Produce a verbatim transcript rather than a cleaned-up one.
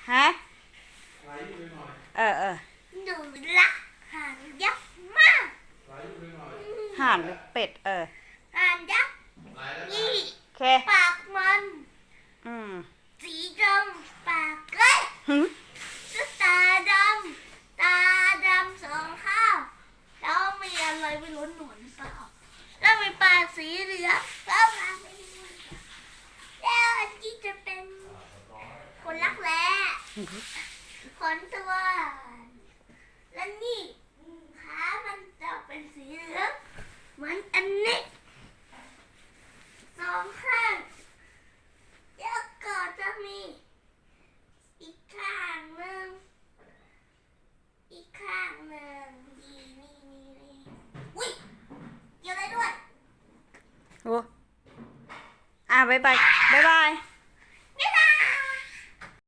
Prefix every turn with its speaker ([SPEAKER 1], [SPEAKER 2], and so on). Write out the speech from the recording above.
[SPEAKER 1] ฮะเออเออ
[SPEAKER 2] หนูรักห่านยักษ์มาก
[SPEAKER 1] ห่านหรือเป็ดเออ
[SPEAKER 2] ห่านยักษ์นี่
[SPEAKER 1] โอเค
[SPEAKER 2] ปากมัน
[SPEAKER 1] อืม
[SPEAKER 2] สีดำปากเล็กตาดำตาดำสองข้างแล้วมีอะไรไม่รู้หนวดหรือเปล่าแล้วมีปากสีเหลืองแล้วปากไม่รู้แล้วอันที่จะเป็นคนรักแร้ขนตัวและนี่ขามันจะเป็นสีเหลืองเหมือนอันนี้สองข้างแล้วก็จะมีอีกข้างหนึ่งอีกข้างหนึ่งนี่นี่นี่นี่อุ้ยเกี่ยวได้ด้วย
[SPEAKER 1] โอ้อ่ะบ๊ายบายบ๊ายบาย